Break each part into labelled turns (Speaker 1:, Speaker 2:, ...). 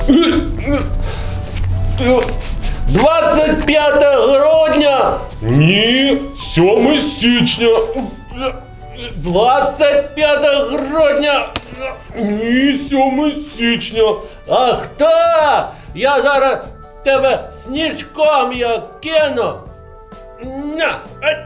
Speaker 1: 25 грудня!
Speaker 2: Ні, 7 січня.
Speaker 1: 25 грудня!
Speaker 2: Ні, 7 січня.
Speaker 1: Ах так! Я зараз тебе снічком я кину! На! Ай!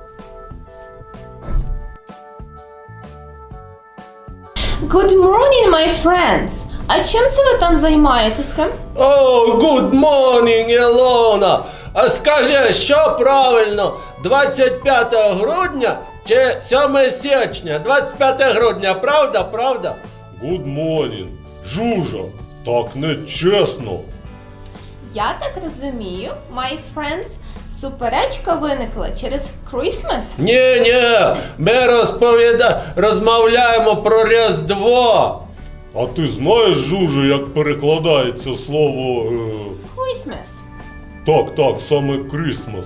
Speaker 3: Good morning, my friends! А чим це ви там займаєтеся?
Speaker 1: О, good morning, Ілона! А скажи, що правильно, 25 грудня чи 7 січня? 25 грудня, правда, правда?
Speaker 2: Good morning. Жужа, так не чесно.
Speaker 3: Я так розумію, my friends, суперечка виникла через Christmas.
Speaker 1: Ні, ми розмовляємо про Різдво.
Speaker 2: А ти знаєш, Жужа, як перекладається слово...
Speaker 3: Christmas.
Speaker 2: Так, саме Christmas.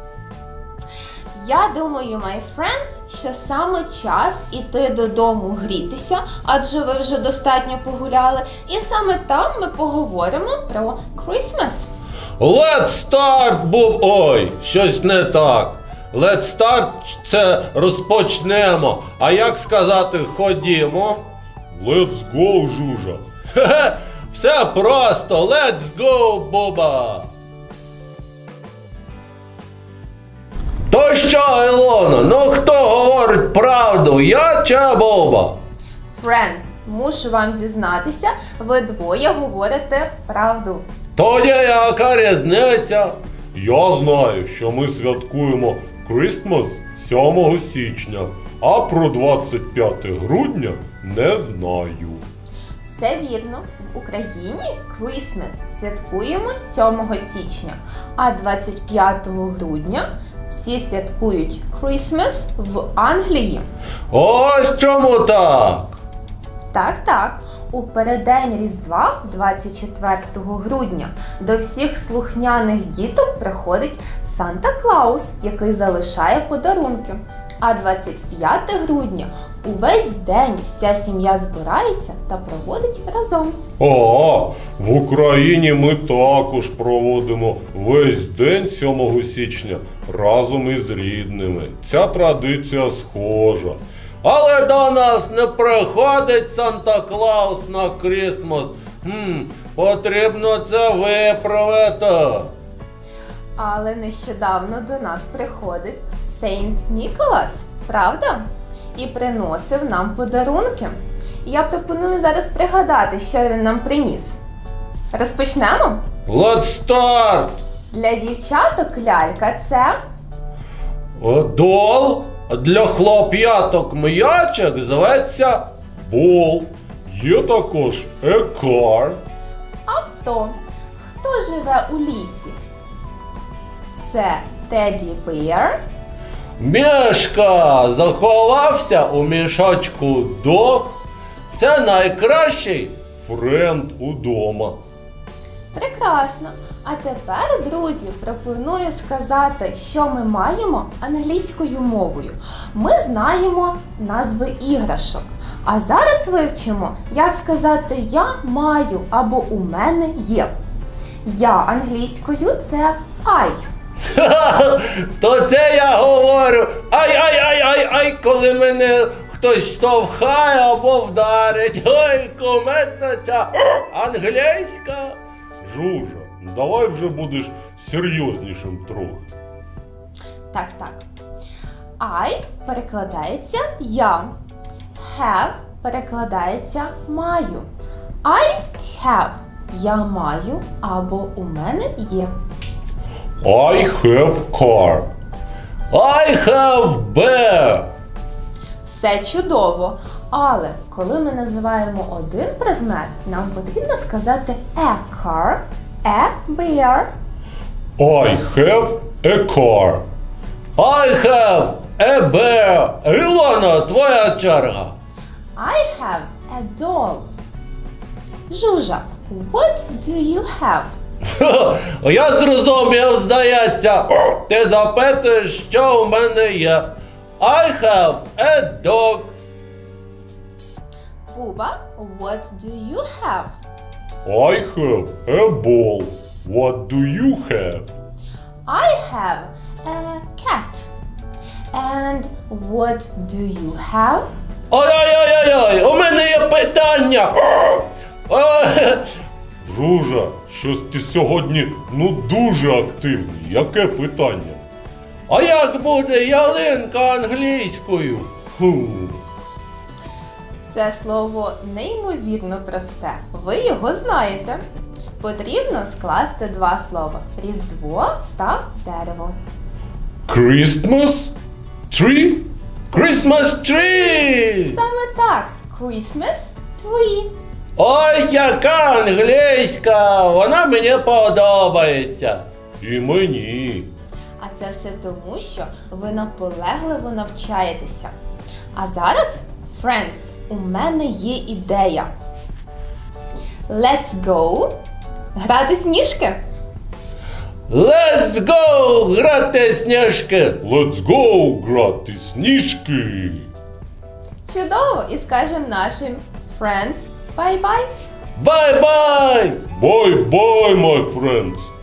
Speaker 3: Я думаю, my friends, що саме час іти додому грітися, адже ви вже достатньо погуляли, і саме там ми поговоримо про Christmas.
Speaker 1: Let's start, Ой, щось не так. Let's start – це розпочнемо. А як сказати ходімо?
Speaker 2: Let's go, Жужа.
Speaker 1: Хе-хе, все просто. Let's go, Буба. То що, Ілона, ну хто говорить правду, я чи Буба?
Speaker 3: Friends, мушу вам зізнатися, ви двоє говорите правду.
Speaker 1: Тоді яка різниця?
Speaker 2: Я знаю, що ми святкуємо Christmas 7 січня, а про 25 грудня не знаю.
Speaker 3: Все вірно, в Україні Christmas святкуємо 7 січня, а 25 грудня всі святкують Christmas в Англії.
Speaker 1: Ось чому так.
Speaker 3: Так, у переддень Різдва, 24 грудня, до всіх слухняних діток приходить Санта-Клаус, який залишає подарунки. А 25 грудня увесь день вся сім'я збирається та проводить разом.
Speaker 2: В Україні ми також проводимо весь день 7 січня разом із рідними. Ця традиція схожа.
Speaker 1: Але до нас не приходить Санта-Клаус на Крістмас. Потрібно це виправити.
Speaker 3: Але нещодавно до нас приходить Сейнт Ніколас, правда? І приносив нам подарунки. Я пропоную зараз пригадати, що він нам приніс. Розпочнемо?
Speaker 1: Let's start!
Speaker 3: Для дівчаток лялька це
Speaker 1: Дол, для хлоп'яток м'ячик зветься
Speaker 2: Бол. Є також a car.
Speaker 3: авто. Хто живе у лісі? Це Теді Беар.
Speaker 1: Мішка заховався у мішочку дог. Це найкращий.
Speaker 2: Френд удома.
Speaker 3: Прекрасно. А тепер, друзі, пропоную сказати, що ми маємо англійською мовою. Ми знаємо назви іграшок. А зараз вивчимо, як сказати «я маю» або «у мене є». Я англійською – це I.
Speaker 1: То це я говорю ай, коли мене хтось штовхає або вдарить. Ой, кумедна ця англійська.
Speaker 2: Жужа, давай вже будеш серйознішим трохи.
Speaker 3: Так. I перекладається «я». Have перекладається «маю». I have – «я маю» або «у мене є».
Speaker 2: I have car.
Speaker 1: I have bear.
Speaker 3: Все чудово. Але коли ми називаємо один предмет, нам потрібно сказати a car, a bear.
Speaker 2: I have a car.
Speaker 1: I have a bear. Ілона, твоя черга.
Speaker 3: I have a doll. Жужа, what do you have?
Speaker 1: Я зрозумів, здається. Ти запитуєш, що у мене є. I have a dog.
Speaker 3: Буба, what do you have?
Speaker 2: I have a ball. What do you have?
Speaker 3: I have a cat. And what do you have?
Speaker 1: Ой-ой-ой-ой, у мене є питання.
Speaker 2: Друже, щось ти сьогодні дуже активний. Яке питання?
Speaker 1: А як буде ялинка англійською?
Speaker 3: Це слово неймовірно просте. Ви його знаєте. Потрібно скласти два слова: Різдво та дерево.
Speaker 2: Christmas tree?
Speaker 1: Christmas tree!
Speaker 3: Саме так. Christmas tree.
Speaker 1: Ой, яка англійська! Вона мені подобається.
Speaker 2: І мені.
Speaker 3: А це все тому, що ви наполегливо навчаєтеся. А зараз, friends, у мене є ідея. Let's go грати сніжки.
Speaker 1: Let's go грати сніжки!
Speaker 2: Let's go грати сніжки.
Speaker 3: Чудово! І скажемо нашим friends bye-bye.
Speaker 1: Бай-бай!
Speaker 2: Bye-bye, my friends.